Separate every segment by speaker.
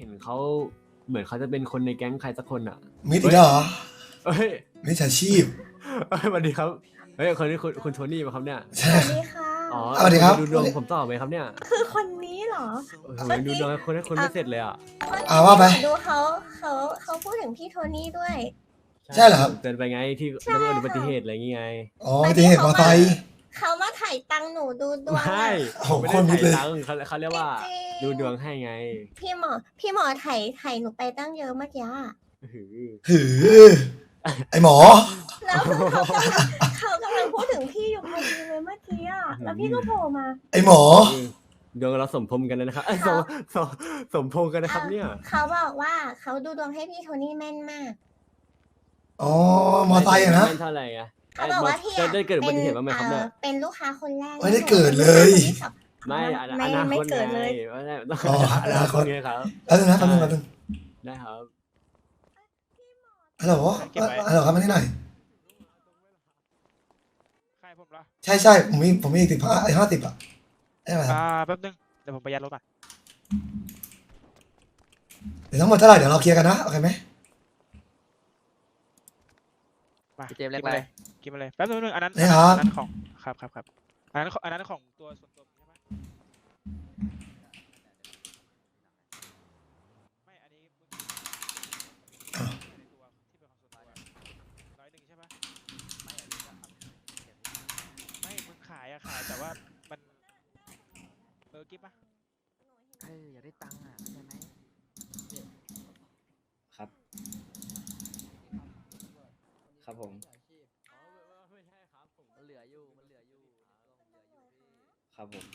Speaker 1: ห็นเขาเหมือนเขาจะเป็นคนในแก๊งใครสักคนอ่ะ
Speaker 2: มิดอีกแล้วเหรอ
Speaker 1: เอ้ย
Speaker 2: มิจฉาชีพ
Speaker 1: สวัสดีครับเฮ้ยคนนี้คุณโทนี่ป่ะครับเนี่ย
Speaker 2: ใช่
Speaker 3: สวัสดีค่ะ
Speaker 1: อ๋อ
Speaker 2: สวัสดีครับ
Speaker 1: ดูดวงผมต่อไหมครับเนี่ย
Speaker 3: คือคนนี้เหรอ
Speaker 1: โอ้โหดูดวงให้คนไม่เสร็จเลยอ่ะ
Speaker 2: ว่าไป
Speaker 3: ดูเขาพูดถึงพี่โทนี่ด้วย
Speaker 2: ใช่เหรอครับ
Speaker 1: เตือนไปไงที่
Speaker 3: ใช่
Speaker 1: เรื่อง
Speaker 3: ค่ะ
Speaker 1: อุบัติเหตุอะไรอย่างงี้ไง
Speaker 2: อ๋ออุบัติเหตุมอไซค์
Speaker 3: เขามาถ่ายตังค์หนูดูดวง
Speaker 1: ไม่
Speaker 2: โอ้โห
Speaker 1: ไม่
Speaker 2: คน
Speaker 1: ได้
Speaker 2: มิดเลย
Speaker 1: ถ่ายตังค์เขาเรียกว่า
Speaker 3: จริง
Speaker 1: ดูดวงให้ไง
Speaker 3: พี่หมอถ่ายหนูไปตั้งเยอะเมื่อกี้อะ
Speaker 1: หือ
Speaker 2: หือ ไอหมอ
Speaker 3: แล้วคือเขากำลังพูดถึงพี่อยู่พอดีเลยเมื่อกี้อะแล้วพี่ก็โผล่มา
Speaker 2: ไอหมอ
Speaker 1: ดวงเราสมพงษ์กันเลยนะครับเอ้ยสมพงษ์กันนะครับเนี่ย
Speaker 3: เขาบอกว่าเขาดูดวงให้พี่โทนี่แม่นมาก
Speaker 2: อ๋อ มอไซค์อะนะ
Speaker 1: ไม่เท่าไหร่ไง
Speaker 3: เขาบอกว่าพี่
Speaker 1: ได้เกิดอุบัติเหตุบ้างไหมครับเนี่ย
Speaker 3: เป็นลูกค้าคนแรก
Speaker 2: ไม่ได้เกิดเลย
Speaker 1: ไม่อ
Speaker 3: ไม่
Speaker 1: นา
Speaker 3: ไม่
Speaker 1: คต
Speaker 3: เกิดเลย
Speaker 1: ไงไม่ได้ต้อง
Speaker 2: อ๋อ
Speaker 1: อนาคตไงครับ
Speaker 2: แล้วนึงนะแป๊บนึงแป๊บนึง
Speaker 1: ได้ครับ
Speaker 2: ฮัลโหลฮัลโหลครับมานี่หน่อย
Speaker 4: ใครผมเหรอ
Speaker 2: ใช่ผมมีอีก50อ่ะได้ไหมครับ
Speaker 4: แป๊บนึง เดี๋ยวผมไปยัดรถก่อน
Speaker 2: เดี๋ยวทั้งหมดเท่าไหร่เดี๋ยวเราเคลียร์กันนะโอเคไหม
Speaker 4: มา
Speaker 5: พี่เจมส์เรียกอะไร
Speaker 4: กินมาเลยแป๊บนึงอันนั้น
Speaker 2: นี่ครับ
Speaker 4: อันนั้นของครับอันนั้นของตัวส่วนตัวใช่ไหมไม่อันนี้มึงในตัวที่เป็นของส่วนตัว101ใช่ปะไม่มึงขายแต่ว่ามันกิ๊บปะ
Speaker 5: อยากได้ตังค์อ่ะใช่ไหม
Speaker 6: ครับ ครับผม
Speaker 5: มันเหลืออยู่
Speaker 6: ครับผม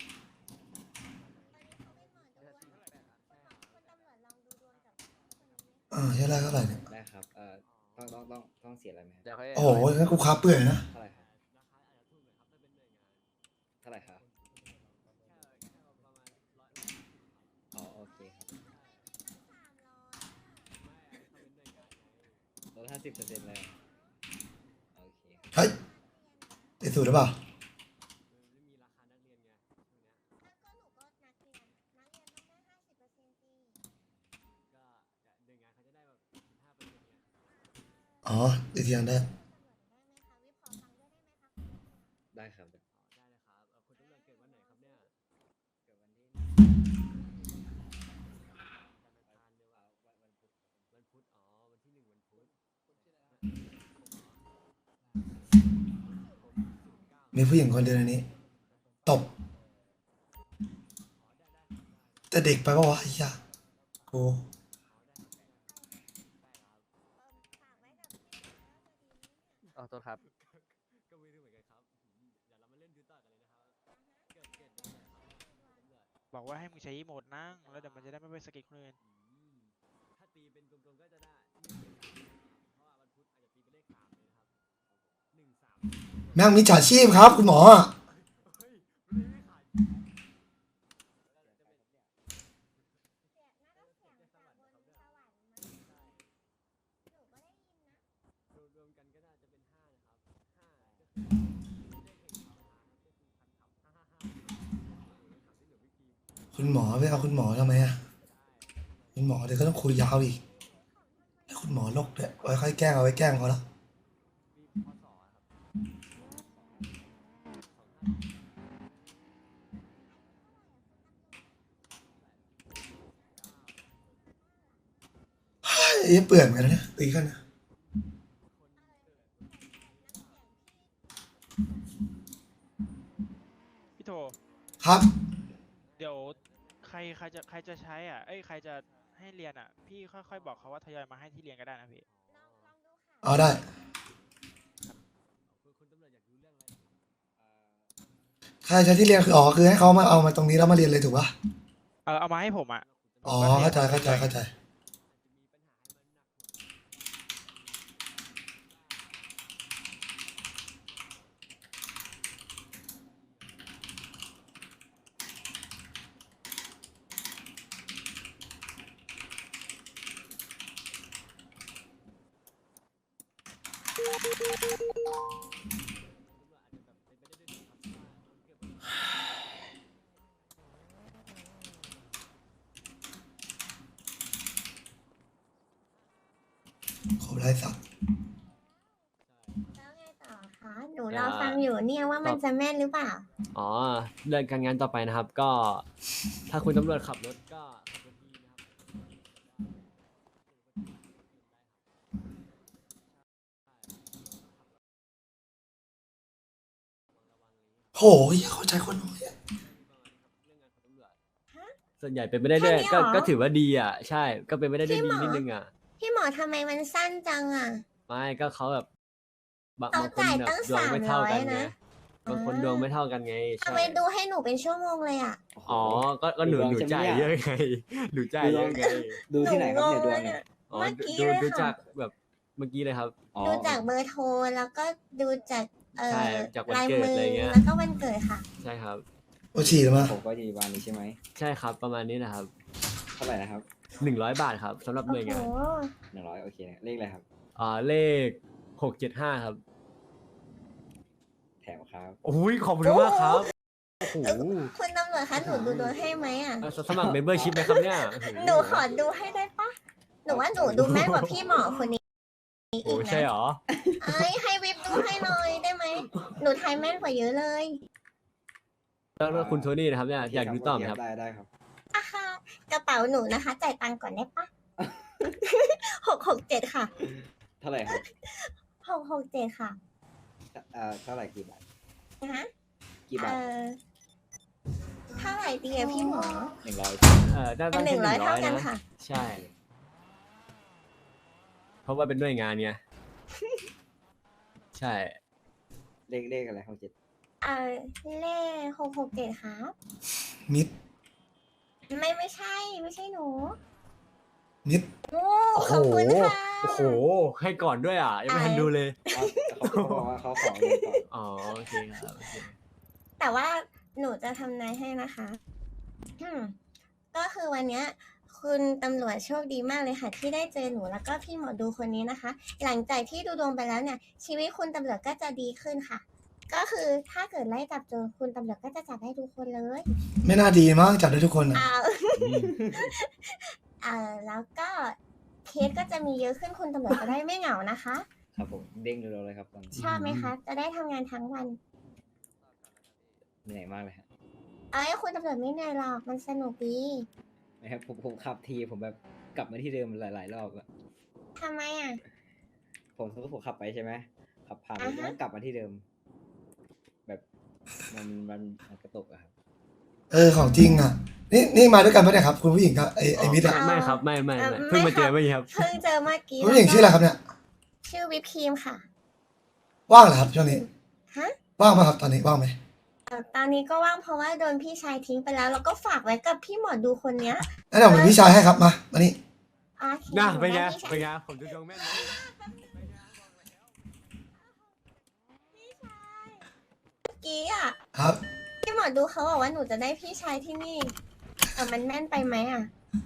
Speaker 2: ใช่แล้วเท่าไหร่เนี่ย
Speaker 6: ได้ครับ ต้องเสียอะไรไหมครับ
Speaker 5: เดี๋ยวค่อย
Speaker 2: โอ้โหงั้นกูค้าเปื่อยนะ
Speaker 6: เท่าไหร่ครับ เท่าไหร่ครับ อ๋อ โอเคครับลด50%เลย โอเคครับ
Speaker 2: เฮ้ยติดสูตรหรือเปล่า อ๋อติดเทียนได้
Speaker 6: ได้ครับ
Speaker 2: มีผู้หญิงคนเดียวในนี้ ตบ แต่เด็กไปปะวะไอ้เหี้ยกู
Speaker 5: อ๋อโทษครับ
Speaker 4: บอกว่าให้มึงใช้อีโมดนั่งแล้วเดี๋ยวมันจะได้ไม่ไปสะกิดคนอื่น
Speaker 1: ถ้าตีเป็นกลมๆก็จะได้เพราะว่าวันพุธอาจจะตีเป็นเลข3เลยนะครับ1 3
Speaker 2: แม่งมิจฉาชีพครับ คุณหมออะ
Speaker 1: รวมกันก็น่าจะเป็น5นะครับ5
Speaker 2: คุณหมอไปเอาคุณหมอทำไมอะคุณหมอเดี๋ยวก็ต้องคุยยาวอีกให้คุณหมอโรคด้วยไว้ค่อยแกล้งเอาไว้แกล้งเขาแล้วเฮ้ยเปื่อยเหมือนกันนะเนี่ยตีกันนะ
Speaker 4: พี่โท
Speaker 2: ครับ
Speaker 4: เดี๋ยวใครจะใช้อ่ะใครจะให้เรียนอ่ะ พี่ค่อยๆบอกเขาว่าทยอยมาให้ที่เรียนก็ได้นะพี่
Speaker 2: เอาได้ ใครใช้ที่เรียนคืออ๋อคือให้เขามาเอามาตรงนี้แล้วมาเรียนเลยถูกปะ
Speaker 4: เอามาให้ผมอ่ะ
Speaker 2: อ๋อเข้าใจไร้สัตว์
Speaker 3: แล้วไงต่อคะหนูรอฟังอยู่เนี่ยว่ามันจะแม่นหรือเปล่า
Speaker 1: อ๋อเรื่องการงานต่อไปนะครับ ก็ถ้าคุณตำรวจขับรถก็ขับรถดีนะครับ
Speaker 2: โหเข้าใจคนน้อยอะ
Speaker 1: ส่วนใหญ่เป็นไม่ได้ด้วย
Speaker 3: แค่นี้เหรอ
Speaker 1: ก็ถือว่าดีอ่ะ ใช่ ก็เป็นไม่ได้ด้วย
Speaker 3: พี่
Speaker 1: ดี
Speaker 3: หมอ
Speaker 1: นิดนึงอ่ะ
Speaker 3: พี่หมอทำไมมันสั้นจังอ่ะ
Speaker 1: ไม่ก็เขาแบบบาง
Speaker 3: เขา
Speaker 1: คน
Speaker 3: จ่าย
Speaker 1: แบบ
Speaker 3: ตั้ง
Speaker 1: ดวงไม่เท่ากัน
Speaker 3: 300
Speaker 1: ไง
Speaker 3: นะ
Speaker 1: บางคนดวงไม่เท่ากันไง
Speaker 3: ทำ
Speaker 1: ใช่
Speaker 3: ไมดูให้หนูเป็นชั่วโมงเลยอ่ะ
Speaker 1: อ๋อ ก็หนู
Speaker 6: ดูดวงใช่ไหม
Speaker 1: จ่าย
Speaker 6: เนี่ย
Speaker 1: เยอะไง หนูจ่ายเยอะไง
Speaker 6: ดูที่ไหนครับเนี่ยดวงเนี่ย
Speaker 1: อ๋อ
Speaker 3: เมื่อกี้
Speaker 1: ดู
Speaker 3: เลย
Speaker 1: ดู
Speaker 3: ค่ะ
Speaker 1: จากแบบเมื่อกี้เลยครับ
Speaker 6: อ๋อ
Speaker 3: ดูจากเบอร์โทรแล้วก็ดูจาก
Speaker 1: ใช่จากวัน
Speaker 3: ลาย
Speaker 1: เกิด
Speaker 3: มือ
Speaker 1: อะไรเงี้ย
Speaker 3: แล้วก็วันเกิดค่ะ
Speaker 1: ใช่ครับ
Speaker 2: โอฉี่หรือมา
Speaker 6: ผมก็อยู่วันนี้ใช่ไหม
Speaker 1: ใช่ครับประมาณนี้นะครับ
Speaker 6: เท่าไหร่นะครับ
Speaker 1: 100 บาทครับสำหรับห
Speaker 3: โอ้
Speaker 1: น่วย
Speaker 3: โห
Speaker 1: งาน
Speaker 6: 100โอเคนะเลขอะไรครับ
Speaker 1: เลข675ครับ
Speaker 6: แถมครับ
Speaker 1: โอ้ยขอบคุณมากครับโอ้โห
Speaker 3: คุณตำรวจคะหนูดูดวงให้ไหมอ่ะ
Speaker 1: สมัครเมมเบอร์ชิพไหมครับเนี่ยโอ้โ
Speaker 3: หนูขอดูให้ได้ปะหนูว่าหนูดูแม่นกว่าพี่หมอคนนี้
Speaker 1: โอ้
Speaker 3: อีก
Speaker 1: ใช่
Speaker 3: นะ
Speaker 1: เหรอ
Speaker 3: เอ้ยให้วิบดูให้หน่อยได้ไหม หนูทายแม่นกว่าเยอะเลย
Speaker 1: แล้วก็คุณโทนี่นะครับเนี่ยอยากดูต่อไหมครับ
Speaker 6: ได้ครับ
Speaker 3: อ่ะค่ะกระเป๋าหนูนะคะ จ่ายตังค์ก่อนได้ปะ 667ค่ะ
Speaker 6: เท่าไหร่ครับ
Speaker 3: 667ค่ะ
Speaker 6: เท่าไหร่กี่บาท
Speaker 3: นะฮะ
Speaker 6: กี่บาท
Speaker 3: เท่าไหร่ดีอะพี่หมอ
Speaker 6: 100
Speaker 1: ได้
Speaker 3: เป็
Speaker 1: ตั้
Speaker 3: น
Speaker 1: ง
Speaker 3: หนึ่
Speaker 1: ที่
Speaker 3: งร้อยเท่ากัน
Speaker 1: นะ
Speaker 3: ค่ะ
Speaker 1: ใช่ เพราะว่าเป็นหน่วยงานไงใช่
Speaker 6: เลขอะไรของเจ็ด
Speaker 3: เลข667ครับ
Speaker 2: มิด
Speaker 3: ไม่ใช่ ไม่ใช่หนู
Speaker 2: มิด
Speaker 3: โอ้
Speaker 1: โอ้
Speaker 3: ขอบคุณค่ะ
Speaker 1: โอ้โห ให้ก่อนด้วยอ่ะ ยังไม่ทันดูเลย
Speaker 6: เขาบอกว่าเขาขอเงินก่อน
Speaker 1: อ๋อ โอเคครับโอเค
Speaker 3: แต่ว่าหนูจะทำนายให้นะคะก็คือวันเนี้ย คุณตำรวจโชคดีมากเลยค่ะ ที่ได้เจอหนูแล้วก็พี่หมอดูคนนี้นะคะ หลังจากที่ดูดวงไปแล้วเนี่ย ชีวิตคุณตำรวจก็จะดีขึ้นค่ะ ก็คือถ้าเกิดไล่จับโจรคุณตำรวจก็จะจับได้ทุกคนเลย
Speaker 2: ไม่น่าดีมั้งจับได้ทุกคนอะ
Speaker 3: อ้าว แล้วก็เคสก็จะมีเยอะขึ้นคุณตำรวจจะได้ไม่เหงานะคะ
Speaker 6: ครับผมเด้งเร็วๆเลยครับตอนนี้
Speaker 3: ชอบไหมคะ จะได้ทำงานทั้งวัน
Speaker 6: เหนื่อยมากเลยฮะ
Speaker 3: เอ้ยคุณตำรวจไม่เหนื่อยหรอกมันสนุกดี
Speaker 6: นะครับผมขับทีผมแบบกลับมาที่เดิมหลายๆรอบอะ
Speaker 3: ทำไมอ่ะ
Speaker 6: ผมขับไปใช่ไหมขับผ่าน
Speaker 3: อ่าฮะ
Speaker 6: แล้วกลับมาที่เดิม แบบมันกระตุกอะครับ
Speaker 2: ของจริงอ่ะ นี่มาด้วยกันปะเนี่ยครับ คุณผู้หญิงกับไอ้มิดอะ
Speaker 1: ไม่ครับ ไม่
Speaker 3: ไม่
Speaker 1: เพิ่งมาเจอ
Speaker 3: ไม่
Speaker 1: เมื่อ
Speaker 3: ครับ
Speaker 1: กี้ครับ
Speaker 3: เพิ่งเจอเมื่อกี้
Speaker 2: คุณผู้หญิงชื่ออะไรครับเนี่ย
Speaker 3: ชื่อวิปครีมค่ะ
Speaker 2: ว่างเหรอครับช่วงนี้
Speaker 3: ฮะ
Speaker 2: ว่างไหมครับตอนนี้ว่างไหม
Speaker 3: ตอนนี้ก็ว่างเพราะว่าโดนพี่ชายทิ้งไปแล้ว แล้วก็ฝากไว้กับพี่หมอดูคนเนี้ย
Speaker 2: งั้นเดี๋ยวผมเป็นพี่ชายให้ครับมานี่
Speaker 3: โอเค
Speaker 1: น่าเป็นไง
Speaker 3: พี่ชาย
Speaker 1: เป็นไง ผมดูดวงแม่นไหม
Speaker 3: เมื่อกี้อ่ะ
Speaker 2: ครับ
Speaker 3: พี่หมอดูเขาบอกว่าหนูจะได้พี่ชายที่นี่แต่มันแม่นไปไหมอ่ะ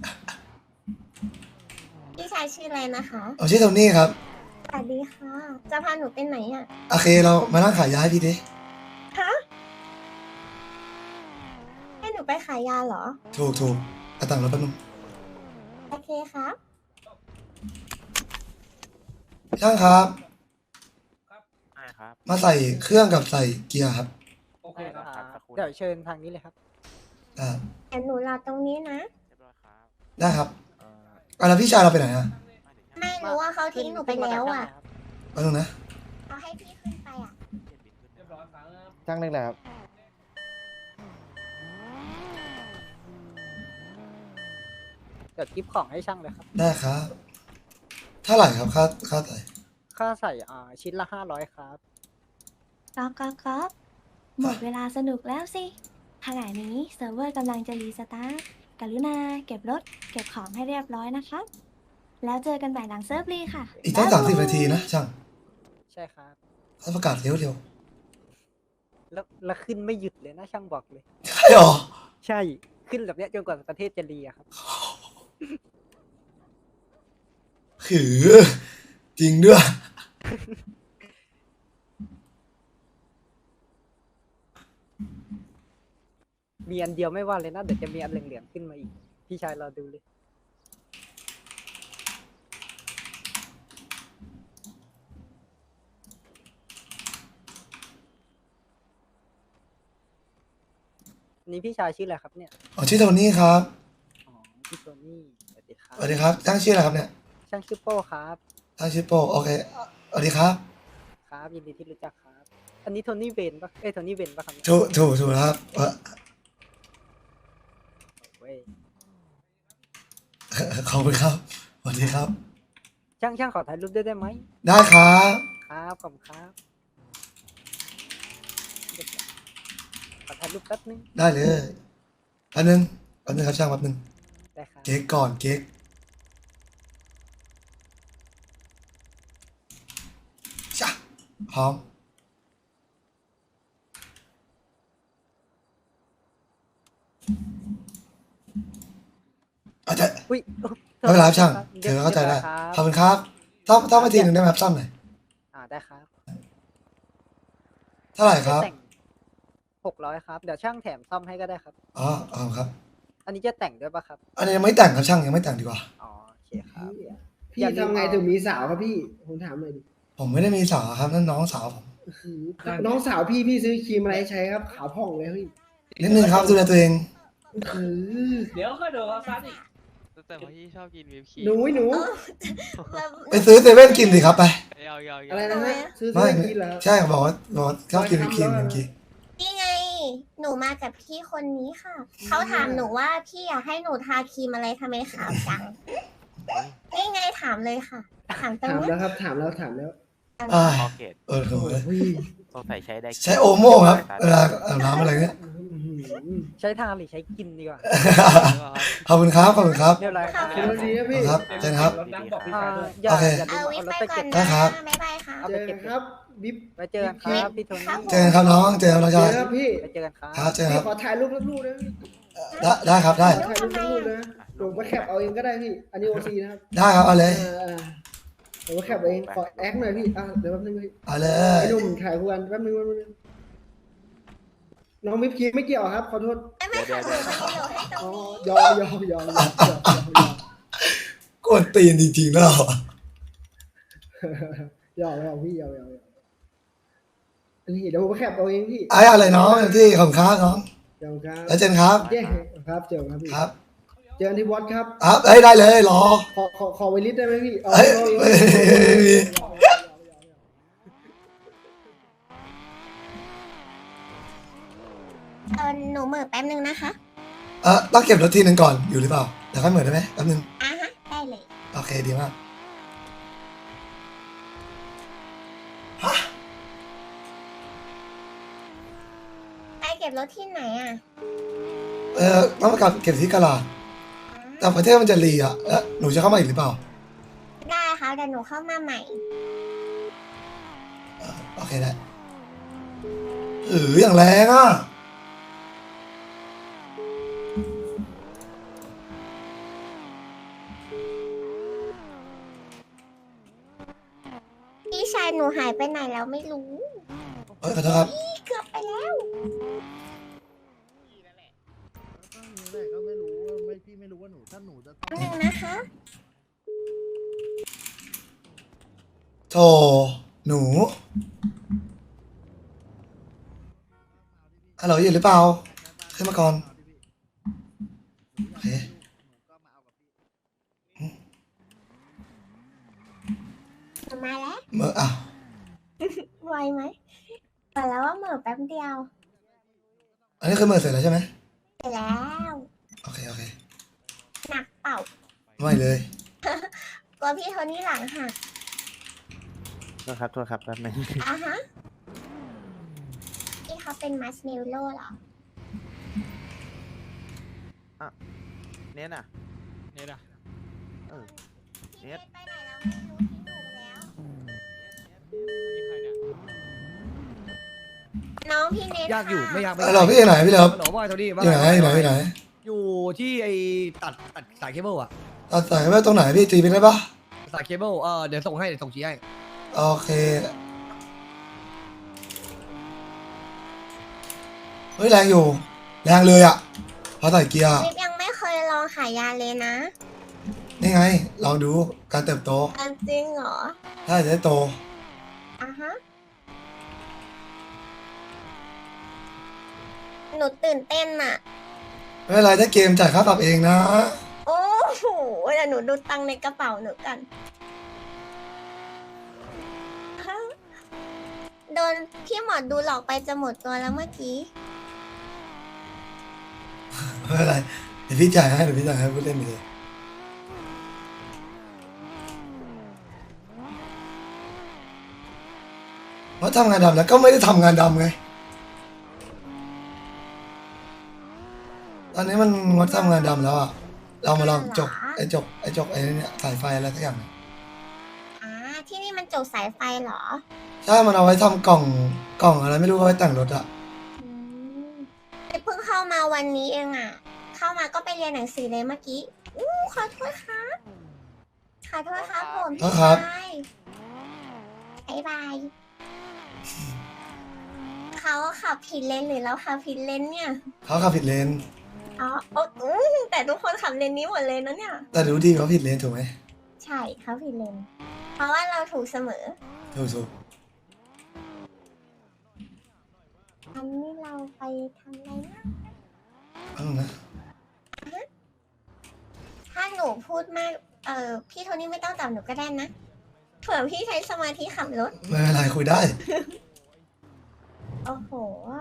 Speaker 3: พี่ชายชื่ออะไรนะคะ
Speaker 2: เอาชื่อโทนี่ครับ
Speaker 3: สวัสดีค่ะ จะพาหนูไปไหนอ่ะ
Speaker 2: โอเคเรามานั่งขายยาให้พี่ดิ
Speaker 3: ฮะ ให้หนูไปขายยาเหรอ
Speaker 2: ถูกเอาตังค์รถแป๊บนึง
Speaker 3: โอเคครับ
Speaker 2: ช่างครับ
Speaker 4: ใช่ครับ
Speaker 2: มาใส่เครื่องกับใส่เกียร์ครับ
Speaker 4: โอเคครับสักครู่
Speaker 5: เดี๋ยวเชิญทางนี้เลยครับ
Speaker 2: อ่า
Speaker 3: แต่หนูรอตรงนี้นะ
Speaker 4: เรียบร้อยครับ
Speaker 2: ได้ครับแล้วพี่ชายเราไปไหนอ่ะ
Speaker 3: ไม่รู้ว่าเขาทิ้งหนูไปแล้วอ่ะ
Speaker 2: แป๊บนึงนะ
Speaker 3: เขาให้พี่ขึ้นไปอ่ะ
Speaker 5: จ้างหนึ่งเลยครับ เดี๋ยวกิฟของให้ช่างเลยครับ
Speaker 2: ได้ครับเท่าไหร่ครับค่าใส่
Speaker 5: ค่าใส่ชิ้นละ500ครับ
Speaker 3: ก๊อกหมดเวลาสนุกแล้วสิขณะนี้เซิร์ฟเวอร์กำลังจะรีสตาร์ทกรุณาเก็บรถ เก็บของให้เรียบร้อยนะคะ แล้วเจอกันใหม่หลังเซิร์ฟรีค่ะ
Speaker 2: อีกตั้ง30 นาทีนะช่าง
Speaker 5: ใช่ครับ
Speaker 2: เขาประกาศเร็ว
Speaker 5: แล้วขึ้นไม่หยุดเลยนะช่างบอกเลย
Speaker 2: ใช่หรอ
Speaker 5: ใช่ขึ้นแบบเนี้ยจนกว่าประเทศจะรีอะครับ
Speaker 2: ขือจริงด้วย
Speaker 5: มีอันเดียวไม่ว่าเลยนะเดี๋ยวจะมีอันเหลืองๆขึ้นมาอีก พี่ชายรอดูเลยอันนี้พี่ชายชื่ออะไรครับเนี่ย
Speaker 2: อ๋อชื่อโทนี่ครับ
Speaker 5: อ๋อพี่โทนี่สวัสดีครับ
Speaker 2: สวัสดีครับตั้งชื่ออะไรครับเนี่ย
Speaker 5: ช่างชื่อโป้ครับ
Speaker 2: ตั้งชื่อโปโอเคสวัสดีครับ
Speaker 5: ครับยินดีที่รู้จักครับ อันนี้โทนี่เวนปะเอ้ยโทนี่เวนปะครับเนี่ย
Speaker 2: ถูกครับ
Speaker 5: เว้ย
Speaker 2: ขอบคุณครับสวัสดีครับ
Speaker 5: ช่างขอถ่ายรูปด้วยได้ไหม
Speaker 2: ได้ครับ
Speaker 5: ครับขอบคุณครับขอถ่ายรูปแป๊บนึง
Speaker 2: ได้เลยแป๊บนึงครับช่างแป๊บนึง
Speaker 5: ได้ครับ
Speaker 2: เก๊กก่อนเก๊กจ้ะพร้อมอาจจะ
Speaker 5: อุ้ย
Speaker 2: ไม่เป็นไรครับช่างเธอเข้าใจได้ขอบคุณครับต้องมาทีหนึ่งได้ไหมครับซ่อมหน่อย
Speaker 5: ได้ครับ
Speaker 2: เท่าไหร่ครับ
Speaker 5: จะแต่ง600ครับ เดี๋ยวช่างแถมซ่อมให้ก็ได้ครับ
Speaker 2: อ๋อครับ
Speaker 5: อันนี้จะแต่งด้วยปะครับ
Speaker 2: อันนี้ยังไม่แต่งครับช่างยังไม่แต่งดีกว่า
Speaker 5: อ๋อโอเคครับ
Speaker 7: พี่
Speaker 5: อย่าลืม
Speaker 7: ทำไง
Speaker 5: เอา
Speaker 7: ถึงมีสาวครับพี่ ผมถามหน่อยดิ
Speaker 2: ผมไม่ได้มีสาวครับนั่นน้องสาวผม
Speaker 7: น้องสาวพี่ซื้อครีมอะไรให้ใช้ครับ ขาวผ่องเลยพี่
Speaker 2: นิดนึงครับดูแลตัวเอง
Speaker 1: เดี๋ยวค่อยดูเขาซัดอีก
Speaker 4: แต่พี่ชอบกินวิปครีม
Speaker 7: หนูหนู
Speaker 3: แล้ว
Speaker 2: ไปซื้อเซเว่นกินสิครับไป
Speaker 4: ยาว
Speaker 7: อะไรนะฮะซื้อ
Speaker 2: ไม่
Speaker 7: ซื้อกินเหรอ
Speaker 2: ใช่บอกว่าชอบกินวิปครีมเมื่อกี้
Speaker 3: นี่ไง หนูมากับพี่คนนี้ค่ะ เขาถามหนูว่าพี่อยากให้หนูทาครีมอะไรทำไมขาวจัง นี่ไงถามเลยค่ะ ถามตรง
Speaker 7: ถาม
Speaker 3: เนี้
Speaker 7: แล้
Speaker 3: ยว
Speaker 7: ครับ ถามแล้วถามแล้ว
Speaker 2: อ่า
Speaker 8: พอเกต
Speaker 2: โห
Speaker 7: โอ้ย
Speaker 8: สงสัยใช้ได้
Speaker 2: ใช้โอโม่ครับเวลาอาบน้ำอะไรเงี้ย
Speaker 7: อื้อหือ
Speaker 5: ใช้ทาหรือใช้กินดีกว่า
Speaker 2: ขอบคุณครับขอบคุณครับ
Speaker 5: เรียบร้อยครับ
Speaker 7: ขอบคุณดีนะพี่
Speaker 2: ครับเจนครับ
Speaker 5: อย่า
Speaker 2: โอเค
Speaker 5: อย่าลื
Speaker 3: เอา
Speaker 5: ม
Speaker 3: วิ
Speaker 5: เอา
Speaker 3: ท
Speaker 5: รถ
Speaker 3: ไป
Speaker 5: ไป
Speaker 3: ก่อ
Speaker 5: เก็
Speaker 3: น
Speaker 5: บ
Speaker 3: นะ
Speaker 2: นะครับ
Speaker 3: บ๊ายบายค่ะ
Speaker 5: เอา
Speaker 7: เจ
Speaker 5: ไป
Speaker 7: อ
Speaker 5: เก็
Speaker 7: กับ นครับบิ๊บ
Speaker 5: ไว้เจอกันครับพี่โทนี่
Speaker 2: เจอกันครับน้องเจอกันน้อง
Speaker 7: เจ
Speaker 2: ชา
Speaker 7: อย ครับพี่
Speaker 5: ไว้เจอกันครับ
Speaker 2: ครับเจอกัน
Speaker 7: พี่
Speaker 2: ครับ
Speaker 7: ขอถ่ายรูปสักรูปนะพี่
Speaker 2: ได้ครับได้
Speaker 7: ขอถ่ายรูปสักรูปนะผมมาแคปเอาเองก็ได้พี่ อันนี้โอซีนะครับ
Speaker 2: ได้ครับเอาเลย
Speaker 7: ผมมาแคปเอาเอง ขอแอคหน่อยพี่ เดี๋ยวแป๊บนึงพี่
Speaker 2: เอาเลย
Speaker 7: ไอ้หนุ่มถ่ายคู่กันแป๊บนึงน้องวิปครีมไม่เกี่ยวครับ ขอโทษ
Speaker 3: ไม่ค่ะหนูมาอยู่ให้ตร
Speaker 7: อ๋
Speaker 3: ง
Speaker 7: อ
Speaker 3: นี้
Speaker 7: ยอม
Speaker 2: กวนตีนจริงๆแล้ว
Speaker 7: ยอมพี่ยอมนี่เดี๋ยวผมมาแคปเอาเองพี่
Speaker 2: ไอ้อะไรน้องที่ขอบคุณครับน้อง
Speaker 7: ยอมครับ
Speaker 2: แล้วเจนครับ
Speaker 7: เย้ครับเจอครับพี่
Speaker 2: ครับ
Speaker 7: เจอกันที่วัดครับ
Speaker 2: ครับเอ้ยได้เลยรอ
Speaker 7: ขอไวลิสได้ไหมพี่
Speaker 2: เอ้ยไม่มี
Speaker 3: หนูเหม่อแป๊บนึงนะคะ
Speaker 2: ต้องเก็บรถทีหนึ่งก่อนอยู่หรือเปล่าเดี๋ยวค่อยเหมือนได้ไหมแป๊บนึง
Speaker 3: อ่ะฮะ ได้เลย
Speaker 2: โอเคดีมากฮะ
Speaker 3: ไปเก็บรถที่ไหนอ่ะ
Speaker 2: ต้องมากลับเก็บที่กะลาดแต่ประเทศมันจะรีอ่ะแล้วหนูจะเข้ามาอีกหรือเปล่า
Speaker 3: ได้ค่ะเดี๋ยวหนูเข้ามาใหม่
Speaker 2: โอเคได้อย่างแรงอ่ะ
Speaker 3: พี่ชายหนูหายไปไหนแล้วไม่รู้
Speaker 2: ขอโทษครับ
Speaker 3: เกือบไปแล้ว
Speaker 9: ก็ไม่รู้ว่าพี่ไม่รู้ว่าหนูถ้าหนูจะ
Speaker 3: แป๊บนึงนะคะ
Speaker 2: โถหนูฮัลโหลอยู่หรือเปล่าขึ้นมาก่อนโอเค
Speaker 3: มาแล้ว
Speaker 2: เมื่ออ่ะ
Speaker 3: ไวไหมบอกแล้วว่าเหม่อแป๊บเดียว
Speaker 2: อันนี้คือเมื่อเสร็จแล้วใช่ไหม
Speaker 3: เสร็จแล้ว
Speaker 2: โอเคโอเค
Speaker 3: หนักเปล่า
Speaker 2: ไม่เลย
Speaker 3: กลัวพี่โทนี่หลังหัก
Speaker 8: โทษครับแป๊บนึง
Speaker 3: อ่ะฮะพี่เขาเป็นมัสเมลโล่เหรอ
Speaker 8: เนี่ยน่ะ
Speaker 4: เนี่ยนะ
Speaker 3: พี่เนทไปไหนแล้วไม่รู้ทิ้งหนูไปแล้ว
Speaker 4: นี่ใครเนี่ย
Speaker 3: น้องพี่เนท
Speaker 9: ยากอยู่
Speaker 3: ค่ะ
Speaker 9: ไม่ยากไม่
Speaker 2: ฮัลโหลพี่อยู่ไหนพี่เลิฟ
Speaker 9: ฮัลโหลบอยโทนี่ว่า
Speaker 2: อยู่ไหนอยู่ไหนอยู่ไหน
Speaker 9: อยู่ที่ไอ้ตัดสายเคเบิลอะ
Speaker 2: ตัดสายไว้ตรงไหนพี่ตีไปได้ปะ
Speaker 9: สายเคเบิลเดี๋ยวส่งให้เดี๋ยวส่งชี้ให้
Speaker 2: โอเคเฮ้ยแรงอยู่แรงเลยอ่ะพอใส่เกียร์
Speaker 3: วิปยังไม่เคยลองขายยาเลยนะ
Speaker 2: นี่ไงลองดูการเติบโต
Speaker 3: จริงเหรอ
Speaker 2: ถ้าจะได้โต
Speaker 3: อ่ะฮะหนูตื่นเต้นอะ
Speaker 2: ไม่เป็นไรถ้าเกมจ่ายค่าปรับเองนะ
Speaker 3: โอ้โหเดี๋ยวหนูดูตังค์ในกระเป๋าหนูกัน โดนพี่หมอดูหลอกไปจะหมดตัวแล้วเมื่อกี้
Speaker 2: ไม่เป็นไรเดี๋ยวพี่จ่ายให้พูดเล่นไปเลยเพราะทำงานดำแล้วก็ไม่ได้ทำงานดำไงตอนนี้มันงดทำงานดำแล้วอ่ะเรามาลองจกไอ้เนี่ยสายไฟอะไรสักอย่าง
Speaker 3: อ่า ที่นี่มันจกสายไฟเหรอ
Speaker 2: ใช่มันเอาไว้ทำกล่องอะไรไม่รู้เอาไว้แต่งรถอะ
Speaker 3: อืมเพิ่งเข้ามาวันนี้เองอ่ะ เข้ามาก็ไปเรียนหนังสือเลยเมื่อกี้ อู้ขอโทษครับ ขอโทษครับผมพี่ชายบ๊ายบาย เขาขับผิดเลนหรือเราขับผิดเลนเนี่ย
Speaker 2: เขาขับผิดเลน
Speaker 3: อ๋อแต่ทุกคนขับเลนนี้หมดเลยนะเนี่ย
Speaker 2: แต่รู้ดีเขาผิดเลนถูกไหม
Speaker 3: ใช่เขาผิดเลน เพราะว่าเราถูกเสมอ
Speaker 2: ถูก
Speaker 3: อันนี้เราไปทำอะไรนะ
Speaker 2: เอานะ
Speaker 3: ถ้าหนูพูดมาก พี่โทนี่ไม่ต้องตอบหนูก็ได้นะ เผื่อพี่ใช้สมาธิขับรถ
Speaker 2: ไม่เป็นไรคุยได้
Speaker 3: โอ้โห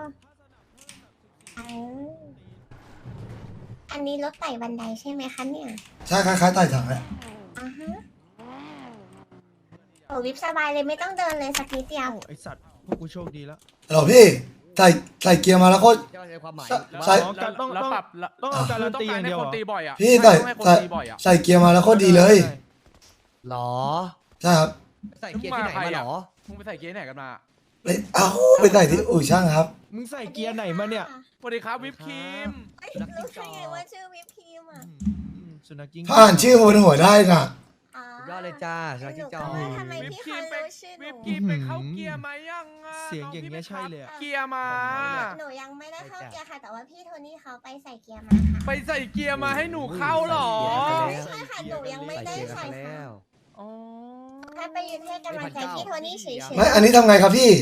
Speaker 3: อันนี้รถไต่บันไดใช่ไหมคะเนี่ย
Speaker 2: ใช่คล้ายๆไต่ถังแหละ
Speaker 3: อ่าฮะโอ้วิบสบายเลยไม่ต้องเดินเลยสักนิดเดียว
Speaker 9: ไอสัตว์พวกกูโชคดีแล้ว
Speaker 2: ฮัลโหลพี่ใส่เกียร์มาแล้วก็
Speaker 6: ความหมาย
Speaker 2: ใส่
Speaker 9: ต้องปรับต้องเอาการันตีอย่างเดียว
Speaker 10: ตีบ่อยอ่ะ
Speaker 2: พี่ใส่เกียร์มาแล้วก็ดีเลย
Speaker 6: หรอ
Speaker 2: ใช่ครับ
Speaker 6: ใส่เกียร์ที่ไหนมาหรอ
Speaker 10: มึงไปใส่เกียร์ไหนกันมา
Speaker 2: ไปใส่ที่อู่ช่างครับ
Speaker 9: มึงใส่เกียร์ไหนมาเนี่ย
Speaker 10: สวัสดีครับวิปครีม
Speaker 3: เอ้ยรู้ได้ไงว่าชื่อวิปครีมอ่ะ
Speaker 9: สุนัขกิ้ง
Speaker 2: ถ้าอ่านชื่อบนหัวได้น่ะ
Speaker 3: อ๋อย
Speaker 6: อดเลยจ้าชา
Speaker 3: ห
Speaker 6: คิ
Speaker 3: นู
Speaker 6: จ
Speaker 3: ก็
Speaker 6: อ
Speaker 3: ว่าทำไมพี่เขารู้ชื่อห
Speaker 10: วิ
Speaker 3: นู
Speaker 10: ปครีมไปเข้าเกียร์มายังอ่ะ
Speaker 9: เสียงอย่างเงี้ยใช่เลยอะ
Speaker 10: เกียร์มา
Speaker 3: หนูยังไม่ได้เข้าเกียร์ค่ะ แต่ว่าพี่โทนี่เขาไปใส่เกียร์มาค่ะ
Speaker 10: ไปใส่เกียร์มาให้หนูเข้าหรอ
Speaker 3: ไม่ใช่ค่ะหนูยังไม่ได้ใส่ค่ะ
Speaker 10: อ๋อ
Speaker 3: แค่ไปยืนให้กำลังใจพี่โทนี่เฉยๆ
Speaker 2: ไม่อันนี้ทำไงครับพี่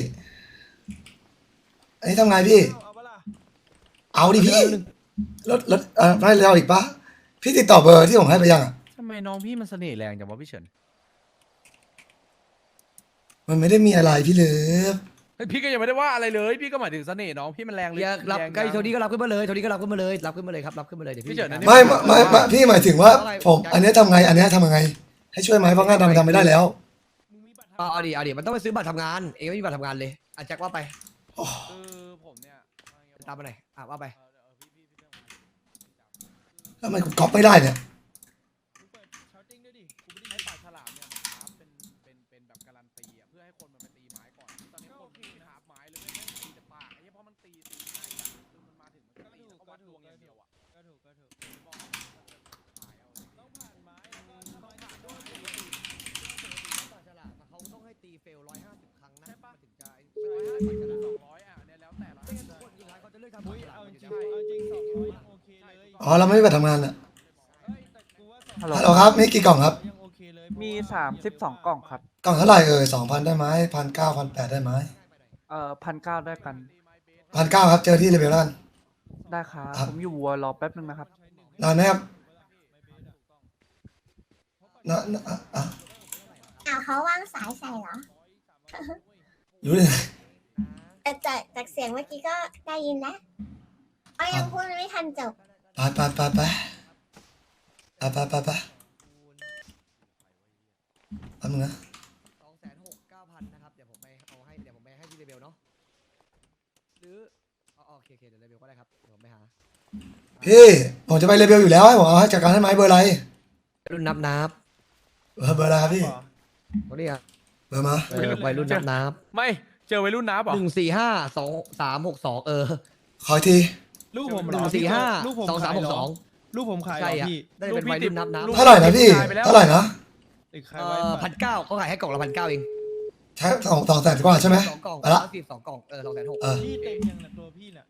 Speaker 2: อันนี้ทำไงพี่
Speaker 9: เอาปะล่ะ
Speaker 2: เอาดิพี่รถไม่เราอีกปะพี่ติดต่อเบอร์ที่ผมให้ไปยังอ่ะ
Speaker 10: ทำไมน้องพี่มันเสน่ห์แรงจังวะพี่เฉิน
Speaker 2: มันไม่ได้มีอะไรพี่เลิฟ
Speaker 10: พี่ก็ยังไม่ได้ว่าอะไรเลย พี่ก็หมายถึงเสน่ห์น้องพี่มันแรงเลย
Speaker 6: รับใกล้โทนี่ก็รับขึ้นมาเลยโทนี่ก็รับขึ้นมาเลยรับขึ้นมาเลยครับรับขึ้นมาเลยเดี๋ยวพี่
Speaker 2: ไม่พี่หมายถึงว่าผมอันนี้ทำไง อันนี้ทำยังไง ให้ช่วยไหมเพราะงานทำไม่ได้แล้ว
Speaker 6: เอาดิมันต้องไปซื้อบัตรทำงานเองไม่มีบัตรทำงานเลยอาแจ็คว่าไป
Speaker 10: ผมเนี่ย
Speaker 6: ตามมาไหนว่าไป
Speaker 2: ทำไมกูก๊อปไม่ได้เนี่ย
Speaker 9: ชาร์ติ้งด้วยดิกูไม่ได้
Speaker 10: ให้ปากฉลามเนี่ยครับเป็นแบบการันตีอ่ะเพื่อให้คนมันไปตีไม้ก่อนตอนนี้คนไม่หาไม้เลยไม่ตีแต่ปากไอ้เพราะมันตีง่ายอ่ะคือมันมาถึงมันก็ตีแล้วก็วัดดวงอย่างเดียวอ่ะ
Speaker 9: ก็ถูกต้องผ่านไม้แล้วก็ถ้าไม้ผ่านด้วย
Speaker 6: เขาต้องให้ตีเฟล150 ครั้งนะถึงจะ
Speaker 10: 200อ่ะเนี่ยแล้วแต่ละ
Speaker 6: คนยิงเขาจะเลือกทำ
Speaker 9: อุ้ยเอาจริง200ยังโอเคเลย
Speaker 2: อ๋อเราไม่ได้ไปทำงานอ่ะ
Speaker 9: เอ้ยแต่กูว่า
Speaker 8: ฮัลโหล
Speaker 2: ฮัลโหลครับมีกี่กล่องครับ
Speaker 9: ยังโอเคเลย
Speaker 8: มี32 กล่องครับ
Speaker 2: กล่องเท่าไหร่2,000ได้ไหม1,900 1,800ได้ไหม
Speaker 8: 1,900ได้กัน
Speaker 2: 1,900ครับเจอที่เลเวลแล้วกัน
Speaker 8: ได้ครับ
Speaker 2: ครับ
Speaker 8: ผมอยู่วัวรอแป๊บนึงนะครับ
Speaker 2: นานไหมครับอ่ะ
Speaker 3: เขาวางสายใส่เหรอ
Speaker 2: รู้เลย
Speaker 3: แต่จากเสียงเมื่อกี้ก็ได้ยินแล้วก็ยังพูดไม่ทันจบ
Speaker 2: ไปแป๊บนึงนะ
Speaker 6: 269,000นะครับเดี๋ยวผมไปให้ที่เลเวลเนาะหรือโอเคเดี๋ยวเลเวลก็ได้ครับเดี๋ยวผมไปหา
Speaker 2: พี่ผมจะไปเลเวลอยู่แล้วให้ผมเอาให้จัดการให้ไหมเบอร์อะไร
Speaker 6: รุ่นนับ
Speaker 2: เบอร์อะไรครับพี่
Speaker 6: เขาเรียก
Speaker 2: เบอร์มา
Speaker 6: วัยรุ่นนับ
Speaker 10: ไม่เจอวัยรุ่นน้าป่ะ
Speaker 6: 1452362
Speaker 2: ขออีกที
Speaker 9: ลูกผม
Speaker 6: 145
Speaker 9: ลูกผม
Speaker 6: 2362
Speaker 9: ลูกผมขายเหร
Speaker 6: ใช่
Speaker 9: อ
Speaker 6: อ่ะ
Speaker 9: พี่
Speaker 6: ได้เป็นวัยรุ่นนับ
Speaker 2: เท่าไหร่นะพี่เท่าไหร่นะ
Speaker 9: ติดขายไว้
Speaker 6: 1,900เขาขายให้กล่องละ1,900เอง
Speaker 2: ใช่200,000กว่าใช่ไหม
Speaker 6: 2 กล่อง
Speaker 2: ไปละ
Speaker 6: 2 กล่อง260,000
Speaker 2: เออ
Speaker 9: พี่เต็มยังนะตัวพี่น่ะ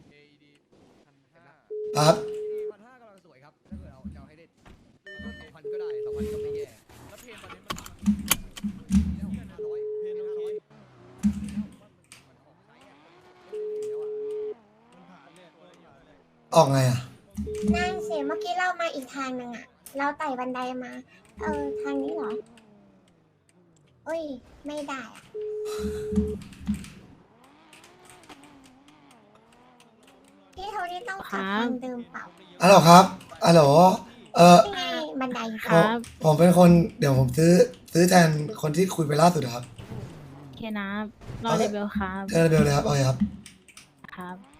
Speaker 2: ครับ
Speaker 6: 1,500กำลังสวยครับถ้าเกิดเราจะเอาให้เด็ด2,000ก็ได้2,000ก็ไม่แย่
Speaker 10: แล้วเพลงตอนนี้มัน
Speaker 9: เพนโอเคมันผ่านเลย
Speaker 2: ออกไงอ่ะ
Speaker 3: นั่นสิเมื่อกี้เรามาอีกทางหนึ่งอะเราไต่บันไดมา ทางนี้เหรออุ้ย ไม่ได้อะพี่โทนี่ต้องกลับทางเดิมเปล่า
Speaker 2: ฮัลโหลครับฮัลโหล
Speaker 3: นี่ไงบันได
Speaker 2: ผมเป็นคนเดี๋ยวผมซื้อแทนคนที่คุยไปล่าสุดอะครับ
Speaker 11: โอเคนะรอเลเวลครับ
Speaker 2: เจอเบลเลยครับโอเคครับ
Speaker 11: ครับ